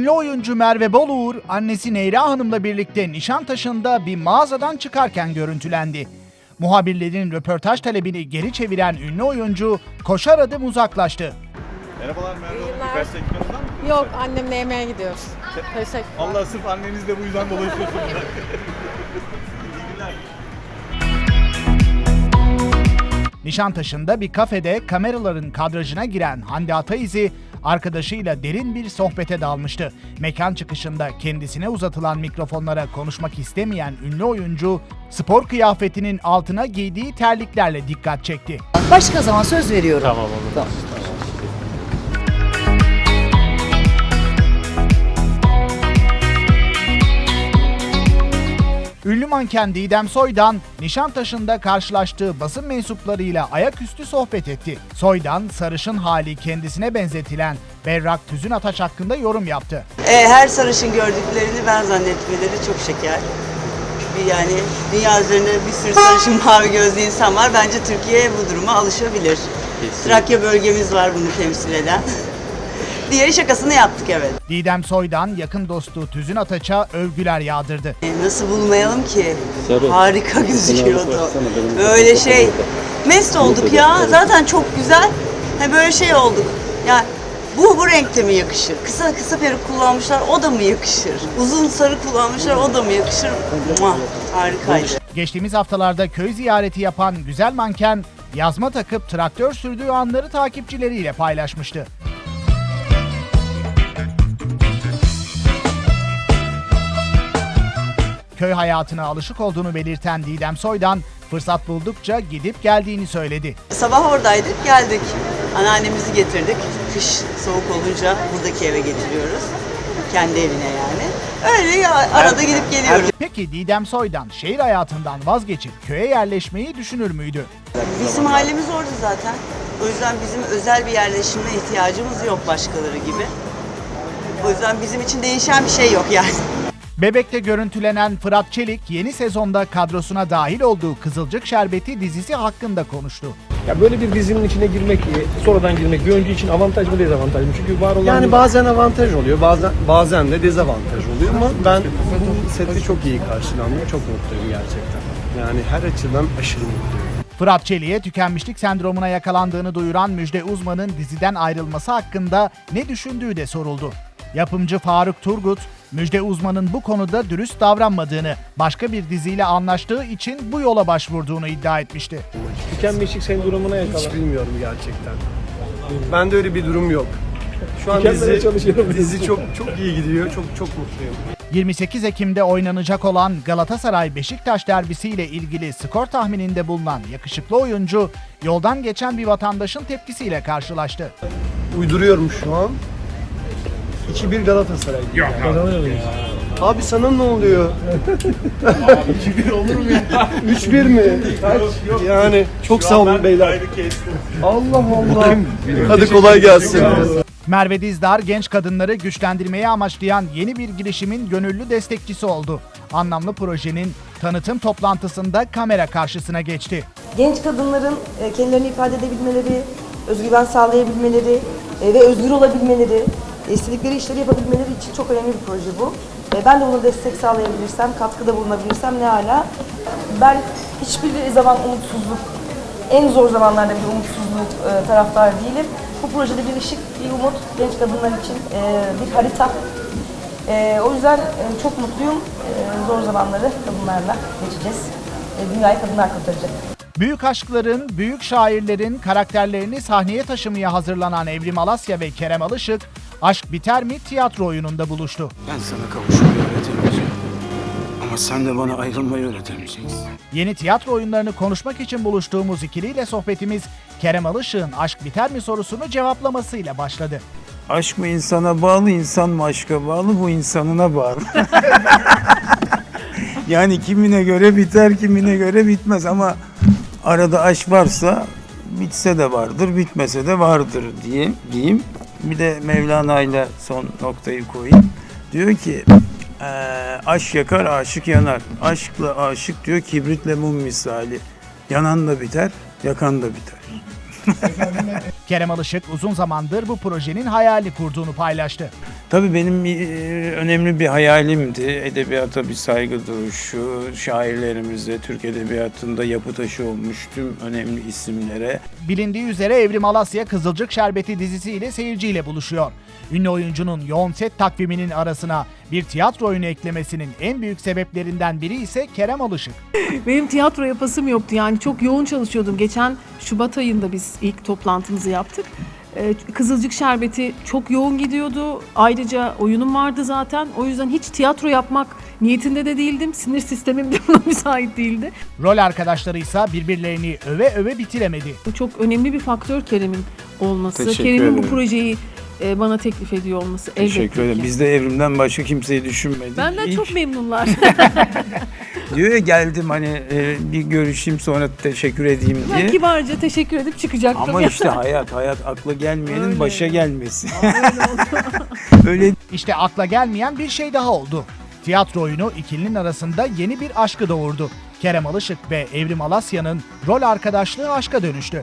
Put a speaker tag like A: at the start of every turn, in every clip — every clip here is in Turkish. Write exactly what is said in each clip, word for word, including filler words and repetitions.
A: Ünlü oyuncu Merve Boluğur, annesi Neyra Hanım'la birlikte Nişantaşı'nda bir mağazadan çıkarken görüntülendi. Muhabirlerin röportaj talebini geri çeviren ünlü oyuncu koşar adım uzaklaştı.
B: Merhabalar Merve Hanım.
C: günler.
B: Birkaç dakikanızdan mı?
C: Yok, annemle yemeğe gidiyoruz. Teşekkürler.
B: Allah sırf annenizle bu yüzden dolaşıyorsunuz. İyi günler.
A: Nişantaşı'nda bir kafede kameraların kadrajına giren Hande Ataizi, arkadaşıyla derin bir sohbete dalmıştı. Mekan çıkışında kendisine uzatılan mikrofonlara konuşmak istemeyen ünlü oyuncu, spor kıyafetinin altına giydiği terliklerle dikkat çekti.
D: Başka zaman söz veriyorum.
B: Tamam olur.
D: Tamam.
A: Ünlü manken Didem Soydan, Nişantaşı'nda karşılaştığı basın mensuplarıyla ayaküstü sohbet etti. Soydan, sarışın hali kendisine benzetilen Berrak Tüzün Ataç hakkında yorum yaptı.
E: E, her sarışın gördüklerini ben zannetmeleri çok şeker. Bir Yani dünya üzerinde bir sürü sarışın mavi gözlü insan var. Bence Türkiye bu duruma alışabilir. Trakya bölgemiz var bunu temsil eden. diye şakasını yaptık, evet.
A: Didem Soydan, yakın dostu Tüzün Ataç'a övgüler yağdırdı.
E: E, nasıl bulmayalım ki? Harika gözüküyordu. Böyle şey, mest olduk ya. Zaten çok güzel. Ha, böyle şey olduk. Yani bu bu renkte mi yakışır? Kısa kısa peruk kullanmışlar, o da mı yakışır? Uzun sarı kullanmışlar, o da mı yakışır? Muah, harikaydı.
A: Geçtiğimiz haftalarda köy ziyareti yapan güzel manken, yazma takıp traktör sürdüğü anları takipçileriyle paylaşmıştı. Köy hayatına alışık olduğunu belirten Didem Soydan, fırsat buldukça gidip geldiğini söyledi.
E: Sabah oradaydık, geldik. Anneannemizi getirdik. Kış soğuk olunca buradaki eve getiriyoruz. Kendi evine yani. Öyle ya, arada gidip geliyoruz.
A: Peki Didem Soydan şehir hayatından vazgeçip köye yerleşmeyi düşünür müydü?
E: Bizim ailemiz orada zaten. O yüzden bizim özel bir yerleşime ihtiyacımız yok başkaları gibi. O yüzden bizim için değişen bir şey yok yani.
A: Bebek'te görüntülenen Fırat Çelik, yeni sezonda kadrosuna dahil olduğu Kızılcık Şerbeti dizisi hakkında konuştu.
F: Ya böyle bir dizinin içine girmek, sonradan girmek bir oyuncu için avantaj mı dezavantaj mı? Çünkü var olan...
G: Yani bazen avantaj oluyor, bazen bazen de dezavantaj oluyor ama ben bu seti çok iyi karşılandım, çok mutluyum gerçekten. Yani her açıdan aşırı mutluyum.
A: Fırat Çelik'e tükenmişlik sendromuna yakalandığını duyuran Müjde Uzman'ın diziden ayrılması hakkında ne düşündüğü de soruldu. Yapımcı Faruk Turgut, Müjde Uzman'ın bu konuda dürüst davranmadığını, başka bir diziyle anlaştığı için bu yola başvurduğunu iddia etmişti.
F: Tükenmişlik sendromuna
G: Hiç
F: yakalan.
G: bilmiyorum gerçekten. Bende öyle bir durum yok. Şu an
F: Tükenmeye
G: dizi,
F: çalışıyorum.
G: dizi çok çok iyi gidiyor, çok çok mutluyum.
A: yirmi sekiz Ekim'de oynanacak olan Galatasaray-Beşiktaş derbisiyle ilgili skor tahmininde bulunan yakışıklı oyuncu, yoldan geçen bir vatandaşın tepkisiyle karşılaştı.
G: Uyduruyorum şu an. iki bir Galatasaray. Yok.
F: Kazanıyor muyuz?
G: Abi sana ne oluyor? iki bir olur mu ya? üç bir mi? Yani çok sağ olun beyler. Allah Allah. Hadi kolay gelsin.
A: Merve Dizdar, genç kadınları güçlendirmeyi amaçlayan yeni bir girişimin gönüllü destekçisi oldu. Anlamlı projenin tanıtım toplantısında kamera karşısına geçti.
H: Genç kadınların e, kendilerini ifade edebilmeleri, özgüven sağlayabilmeleri e, ve özgür olabilmeleri, istedikleri işleri yapabilmeleri için çok önemli bir proje bu. E, Ben de buna destek sağlayabilirsem, katkıda bulunabilirsem ne hala. Ben hiçbir zaman umutsuzluk, en zor zamanlarda bir umutsuzluk e, taraftar değilim. Bu projede bir ışık, bir umut genç kadınlar için e, bir harita. E, o yüzden e, çok mutluyum. E, zor zamanları kadınlarla geçeceğiz. E, dünyayı kadınlar kurtaracak.
A: Büyük aşkların, büyük şairlerin karakterlerini sahneye taşımaya hazırlanan Evrim Alasya ve Kerem Alışık, Aşk Biter Mi tiyatro oyununda buluştu.
I: Ben sana kavuşmayı öğretemeyeceğim. Ama sen de bana ayrılmayı öğretemeyeceksin.
A: Yeni tiyatro oyunlarını konuşmak için buluştuğumuz ikiliyle sohbetimiz, Kerem Alışık'ın Aşk Biter Mi sorusunu cevaplamasıyla başladı.
I: Aşk mı insana bağlı, insan mı aşka bağlı, bu insanına bağlı. Yani kimine göre biter, kimine göre bitmez ama arada aşk varsa bitse de vardır, bitmese de vardır diye diyeyim. Bir de Mevlana ile son noktayı koyayım. Diyor ki e, aşk yakar, aşık yanar. Aşkla aşık diyor kibritle mum misali. Yanan da biter, yakan da biter.
A: Kerem Alışık uzun zamandır bu projenin hayali kurduğunu paylaştı.
I: Tabii benim e, önemli bir hayalimdi. Edebiyata bir saygı duruşu, şairlerimize, Türk Edebiyatı'nda yapı taşı olmuş tüm önemli isimlere.
A: Bilindiği üzere Evrim Alasya Kızılcık Şerbeti dizisiyle seyirciyle buluşuyor. Ünlü oyuncunun yoğun set takviminin arasına bir tiyatro oyunu eklemesinin en büyük sebeplerinden biri ise Kerem Alışık.
D: Benim tiyatro yapasım yoktu, yani çok yoğun çalışıyordum. Geçen Şubat ayında biz ilk toplantımızı yaptık. Ee, Kızılcık Şerbeti çok yoğun gidiyordu. Ayrıca oyunum vardı zaten. O yüzden hiç tiyatro yapmak niyetinde de değildim. Sinir sistemim de buna müsait değildi.
A: Rol arkadaşları ise birbirlerini öve öve bitiremedi.
D: Bu çok önemli bir faktör Kerem'in olması.
I: Teşekkür
D: Kerem'in bu
I: ederim.
D: projeyi e, bana teklif ediyor olması.
I: Teşekkür
D: elbette
I: ederim.
D: ki.
I: Biz de Evrim'den başka kimseyi düşünmedik.
D: Benden
I: İlk
D: çok memnunlar.
I: diyor ya, geldim hani e, bir görüşeyim sonra teşekkür edeyim
D: Ben
I: diye.
D: kibarca teşekkür edip çıkacaktım.
I: Ama işte hayat, hayat akla gelmeyenin
D: Öyle.
I: başa gelmesi. Öyle
A: İşte akla gelmeyen bir şey daha oldu. Tiyatro oyunu ikilinin arasında yeni bir aşkı doğurdu. Kerem Alışık ve Evrim Alasya'nın rol arkadaşlığı aşka dönüştü.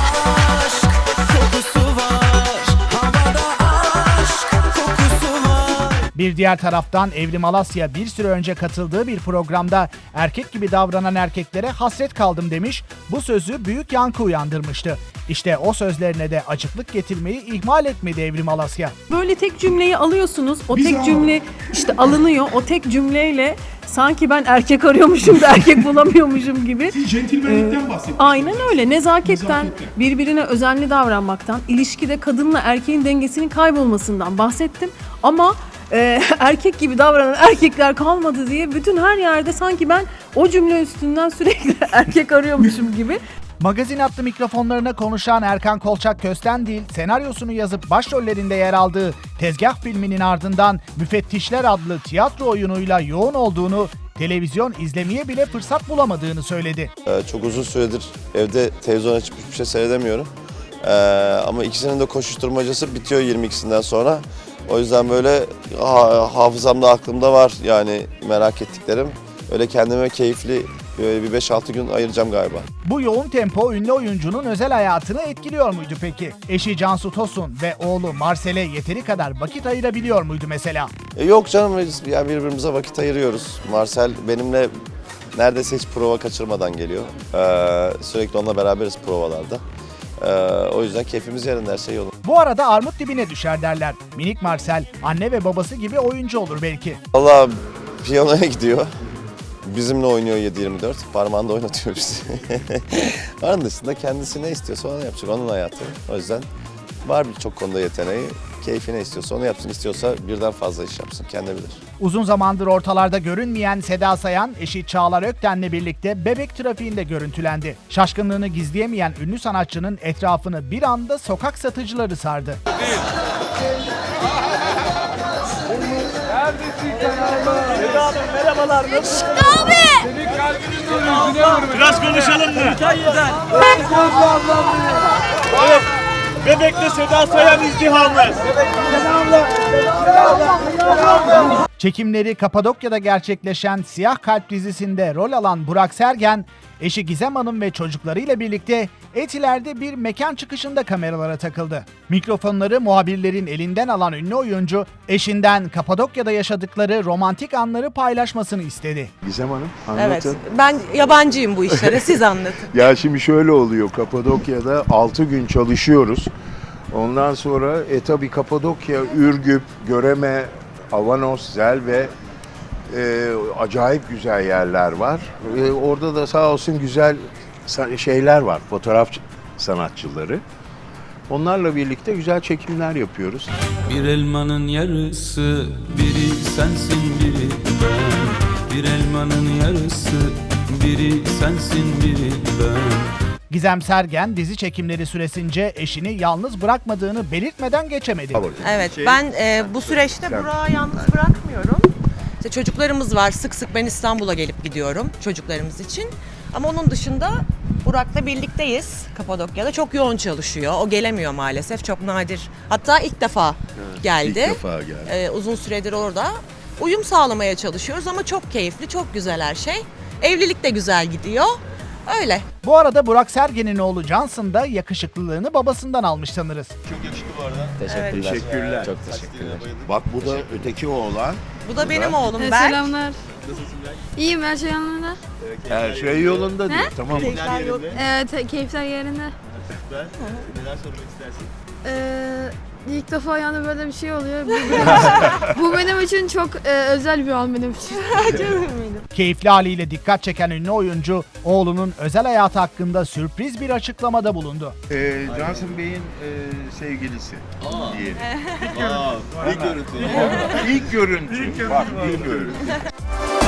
A: Bir diğer taraftan Evrim Alasya bir süre önce katıldığı bir programda erkek gibi davranan erkeklere hasret kaldım demiş, bu sözü büyük yankı uyandırmıştı. İşte o sözlerine de açıklık getirmeyi ihmal etmedi Evrim Alasya.
D: Böyle tek cümleyi alıyorsunuz. O tek cümle işte alınıyor. O tek cümleyle sanki ben erkek arıyormuşum da erkek bulamıyormuşum gibi.
B: Centilmenlikten bahsettik.
D: Aynen öyle. Nezaketten, birbirine özenli davranmaktan, ilişkide kadınla erkeğin dengesinin kaybolmasından bahsettim. Ama e, erkek gibi davranan erkekler kalmadı diye bütün her yerde sanki ben o cümle üstünden sürekli erkek arıyormuşum gibi.
A: Magazin adlı mikrofonlarına konuşan Erkan Kolçak Köstendil, senaryosunu yazıp başrollerinde yer aldığı Tezgah filminin ardından Müfettişler adlı tiyatro oyunuyla yoğun olduğunu, televizyon izlemeye bile fırsat bulamadığını söyledi.
J: Ee, çok uzun süredir evde televizyon açıp hiçbir şey seyredemiyorum. Ee, ama ikisinin de koşuşturmacası bitiyor yirmi ikisinden sonra. O yüzden böyle ha, hafızamda, aklımda var yani merak ettiklerim. Öyle kendime keyifli böyle bir beş altı gün ayıracağım galiba.
A: Bu yoğun tempo ünlü oyuncunun özel hayatını etkiliyor muydu peki? Eşi Cansu Tosun ve oğlu Marsel'e yeteri kadar vakit ayırabiliyor muydu mesela?
J: E, yok canım, biz yani birbirimize vakit ayırıyoruz. Marcel benimle neredeyse hiç prova kaçırmadan geliyor. Ee, sürekli onunla beraberiz provalarda. Ee, o yüzden keyfimiz yerinde, her şey yolunda.
A: Bu arada armut dibine düşer derler. Minik Marcel anne ve babası gibi oyuncu olur belki.
J: Vallahi piyanoya gidiyor. Bizimle oynuyor yedi yirmi dört. Parmağında oynatıyor bizi. Onun dışında kendisi ne istiyorsa onu yapacak. Onun hayatı. O yüzden var birçok konuda yeteneği. Keyfi ne istiyorsa onu yapsın. İstiyorsa birden fazla iş yapsın. Kendi bilir.
A: Uzun zamandır ortalarda görünmeyen Seda Sayan, eşi Çağlar Ökten'le birlikte Bebek trafiğinde görüntülendi. Şaşkınlığını gizleyemeyen ünlü sanatçının etrafını bir anda sokak satıcıları sardı.
B: Biraz konuşalım mı? Bebek'te Seda Sayan izdihamı.
A: Çekimleri Kapadokya'da gerçekleşen Siyah Kalp dizisinde rol alan Burak Sergen, eşi Gizem Hanım ve çocuklarıyla birlikte Etiler'de bir mekan çıkışında kameralara takıldı. Mikrofonları muhabirlerin elinden alan ünlü oyuncu, eşinden Kapadokya'da yaşadıkları romantik anları paylaşmasını istedi.
K: Gizem Hanım, anlatın.
C: Evet, ben yabancıyım bu işlere, siz anlatın.
K: Ya şimdi şöyle oluyor, Kapadokya'da altı gün çalışıyoruz. Ondan sonra e tabi Kapadokya, Ürgüp, Göreme, Avanos, Zel ve e, acayip güzel yerler var. E, orada da sağ olsun güzel şeyler var, fotoğraf sanatçıları. Onlarla birlikte güzel çekimler yapıyoruz.
L: Bir elmanın yarısı, biri sensin biri ben. Bir elmanın yarısı, biri sensin biri ben.
A: Gizem Sergen dizi çekimleri süresince eşini yalnız bırakmadığını belirtmeden geçemedi.
C: Evet, ben e, bu süreçte Burak'ı yalnız bırakmıyorum. İşte çocuklarımız var, sık sık ben İstanbul'a gelip gidiyorum çocuklarımız için. Ama onun dışında Burak'la birlikteyiz Kapadokya'da. Çok yoğun çalışıyor. O gelemiyor maalesef. Çok nadir. Hatta ilk defa geldi.
K: İlk defa geldi.
C: Ee, uzun süredir orada. Uyum sağlamaya çalışıyoruz ama çok keyifli, çok güzel her şey. Evlilik de güzel gidiyor. Öyle.
A: Bu arada Burak Sergen'in oğlu Johnson da yakışıklılığını babasından almış sanırız.
B: Çok yakışıklı bu arada.
J: Teşekkürler.
K: Teşekkürler.
J: Çok teşekkürler.
K: Bak bu da öteki oğlan.
C: Bu da benim oğlum
M: Evet,
C: Berk.
M: selamlar. İyiyim, her şey yolunda.
K: Her şey yolunda diyor. Tamam mı?
B: Keyifler yerinde.
M: Evet, keyifler yerinde.
B: Süper. Neler sormak istersin?
M: Ee, ilk defa yani böyle bir şey oluyor. Bu benim için, bu benim için çok e, özel bir an benim için.
A: Keyifli haliyle dikkat çeken ünlü oyuncu, oğlunun özel hayatı hakkında sürpriz bir açıklamada bulundu.
K: Ee, Johnson Bey'in e, sevgilisi diyelim.
B: Aa, ilk görüntü.
K: İlk görüntü. Bak ilk görüntü.